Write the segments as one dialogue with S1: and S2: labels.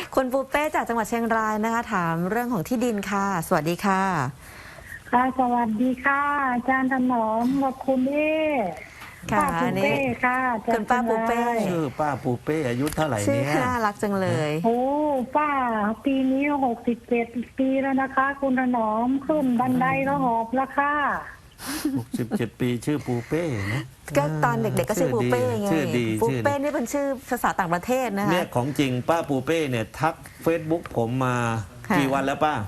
S1: คุณปูเป้จากจังหวัดเชียงรายนะคะถามเรื่องของที่ดินค่ะสวัสดีค่ะ
S2: ค่ะสวัสดีค่ะอาจารย์ถนอมกับคุณเอ๊
S1: ค่ะ
S2: ป้าปูเป้ค่ะ
S1: คุณป้าปูเป้
S3: ชื่อป้าปูเป้อายุเท่าไหร่
S1: ชื่อ
S3: เนี่ย
S1: น่ารักจังเลย
S2: โอ้ป้าปีนี้67 ปีแล้วนะคะ คุณถนอมขึ้นบันไดก็หอบแล้วค่ะ
S3: 67 ปีชื่อปูเป้นะ
S1: ก็ตอนเด็กๆก็ชื่อปูเป้ไง
S3: ชื่อดี
S1: ปูเป้นี่เป็นชื่อภาษาต่างประเทศนะคะ
S3: เนี่ยของจริงป้าปูเป้เนี่ยทัก Facebook ผมมากี่วันแล้วป้า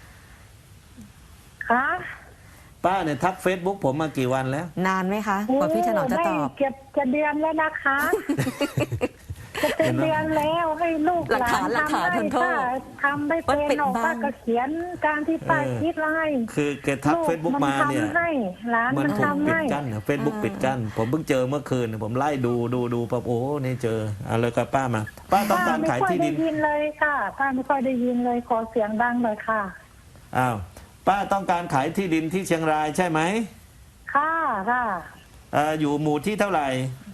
S2: คะ
S3: ป้าเนี่ยทัก Facebook ผมมากี่วันแล้ว
S1: นานไหมคะกว่าพี่ถนอมจะตอบ
S2: เก็บจะเดือนแล้วนะคะจะเป็นเดือนแล้วให้ลูกหลานทำให้ป้าทำไม่เป็นออกป้าก็เขียนการที่ป้าคิดไล่
S3: คือแกทัก Facebook มาเนี่ย
S2: มัน
S3: ถูกปิด
S2: กั้
S3: นเฟซบุ๊กปิดกั้นผมเพิ่งเจอเมื่อคืนผมไล่ดูปั๊บโอ้นี่เจออะไรกับป้ามาป้าต้องการขายที่ดิน
S2: ไม่ค่อยได้ยินเลยค่ะป้าไม่ค่อยได้ยินเลยขอเสียงดังเลยค่ะ
S3: อ้าวป้าต้องการขายที่ดินที่เชียงรายใช่ไหม
S2: ค่ะ
S3: อยู่หมู่ที่เท่าไหร่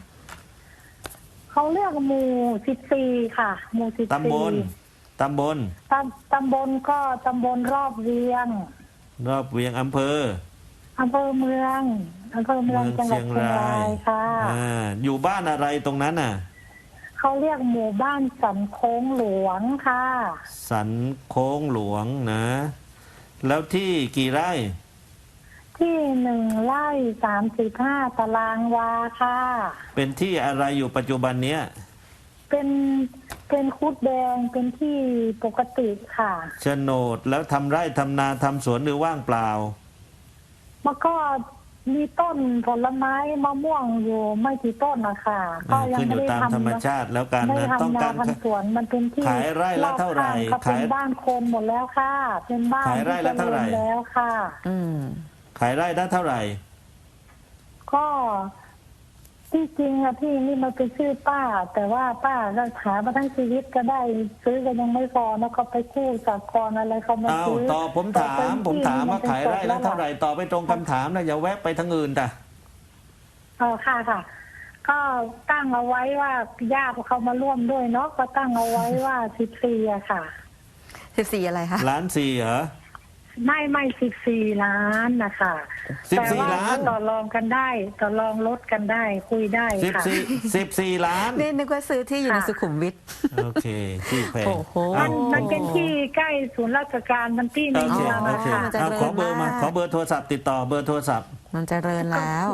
S2: เขาเรียกหมู่14ค่ะหมู่14
S3: ตำบล
S2: ตำบลก็ตำบลรอบเวียง
S3: อำเภอ
S2: เมืองจังหวัดเชียงรายค่ะ
S3: อยู่บ้านอะไรตรงนั้นน่ะ
S2: เขาเรียกหมู่บ้านสันโค้งหลวงค่ะ
S3: สันโค้งหลวงนะแล้วที่กี่ไร่
S2: ที่1 ไร่ 35 ตารางวาค่ะ
S3: เป็นที่อะไรอยู่ปัจจุบันเนี้ย
S2: เป็นคุดแดงเป็นที่ปกติค่ะ
S3: โฉนดแล้วทำไร่ทำนาทำสวนหรือว่างเปล่า
S2: มันก็มีต้นผลไม้มะม่วงอยู่ไม่กี่ต้นนะคะ
S3: ก็ยังไม่ได้ทำธรรมชาติแล้วกันนะ
S2: ต้องการสวนมันเป็นที่
S3: ขายไร่ละเท่าไหร่
S2: ขายบ้านคนหมดแล้วค่ะเป็นบ้าน
S3: ขายไร่ละเท่าไหร่
S2: แล้วค่ะ
S3: ขายไร่ละเท่าไหร่
S2: ก็ที่จริงอะที่นี่มันเป็นชื่อป้าแต่ว่าป้าเราขายมาทั้งชีวิตก็ได้ซื้อกันยังไม่พอแล้วก็ไปกู้จากกรอะไรเขามาซื้อ
S3: ต่อผมถามว่าขายไร่ละเท่าไหร่ต่อไปตรงคำถามนะอย่าแวะไปทางอื่นจ้ะ
S2: ค่ะก็ตั้งเอาไว้ว่าญาติเขามาร่วมด้วยเนาะก็ตั้งเอาไว้ว่า14อะค่ะ
S1: 14อะไรคะ
S3: ล้านสี่เหรอ
S2: ไม่14 ล้านนะคะ
S3: 14 ล้าน
S2: ต่อรองกันได้ต่อรองลดกันได้คุยได้ค่ะ
S3: 14 ล้าน
S1: นี่นึกว่าซื้อที่อยู่ในสุขุมวิท
S3: โอเคที่แพง
S2: มันเป็นที่ใกล้ศูนย์ราชการมันที่ในเมืองนะคะ
S3: ขอเบอร์มาขอเบอร์โทรศัพท์ติดต่อเบอร์โทรศัพท์
S1: มันเจริญแล้ว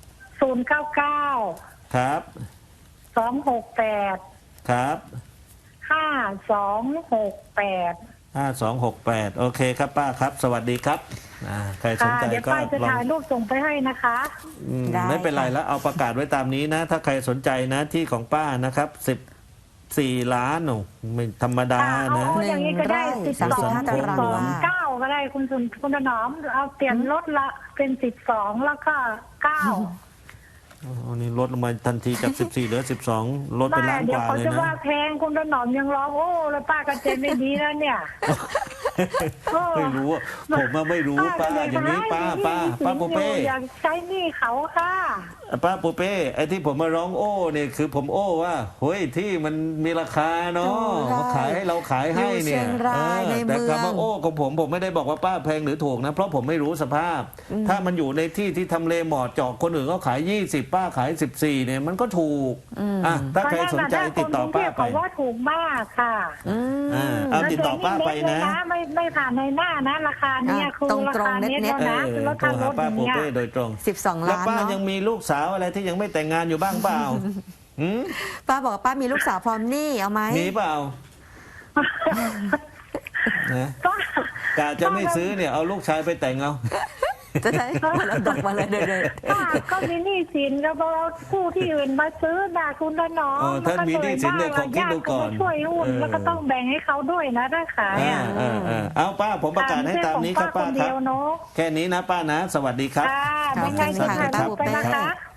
S2: 099
S3: ครับ
S2: 268
S3: ครับ
S2: 5268
S3: โอเคครับป้าครับสวัสดีครับใครสนใจก็
S2: เดี๋ยวป้าจะถ่ายรูปส่งไปให้นะคะ
S3: ไม่เป็นไรแล้วเอาประกาศไว้ตามนี้นะถ้าใครสนใจนะที่ของป้านะครับ14 ล้านโอ้ไม่ธรรมดานะ
S2: อย่างนี้ก็ได้12 9ก็ได้คุณถนอมเอาเปลี่ยนลดละเป็น12แล้วก็9
S3: นี่ลดลงมาทันทีจาก14เหลือ12ลดไปล้านกว่าเลยนะ
S2: เดี๋ยวเขาจะว่าแพงคุณถนอมยังร้องโอ้แล้วป้าก็เจนไม่ดีแล้วเนี่ย
S3: ไม่รู้ผมไม่รู้ป้าอย่างนี้ป้าปูเป้
S2: อยากใช้หนี้เขาค่ะ
S3: ป้าปูเป้ไอ้ที่ผมมาร้องโอ้เนี่ยคือผมโอ้ว่าเฮ้ยที่มันมีราคาเนาะเขาขายให้เราขายให้เนี่ยแต่คำว่าโอ้ของผมไม่ได้บอกว่าป้าแพงหรือถูกนะเพราะผมไม่รู้สภาพถ้ามันอยู่ในที่ทำเลเหมาะเจาะคนอื่นเขาขาย20ป้าขาย14เนี่ยมันก็ถูกถ้าใครสนใจติดต่อป้าไป
S2: ว่าถูกมากค่ะ
S3: เอาติดต่อป้าไปนะ
S2: ไม่ผ่านในหน้านะราคาเนี่ยคือราคาเน็ตแล้วนะคือราคารถ
S3: ป้าปูเป้โดยตรง
S1: 12 ล้าน
S3: แล้วป้ายังมีลูกสาวอะไรที่ยังไม่แต่งงานอยู่บ้างเปล่า
S1: ป้าบอกว่าป้ามีลูกสาวพร้อมหนี้เอาไหม
S3: มีเปล่ากะจะไม่ซื้อเนี่ยเอาลูกชายไปแต่งเอา
S1: จะได้เราดอกมาเลยเดิน
S2: ก็มีหนี้สินแล้วเรากู้ที่อื่นมาซื้อด่าคุณละน้อง
S3: ท่านมีหนี้สินเนี่ยขอคิดดูก่อน
S2: ช่วยหุ้นแล้วก็ต้องแบ่งให้เขาด้วยนะถ้าขาย
S3: เอาป้าผมประกาศให้ตามนี้ครับป้าครับแค่นี้นะป้านะสวัสดีครับ
S2: ไม่งั้นจะถ่ายรูปไปนะคะ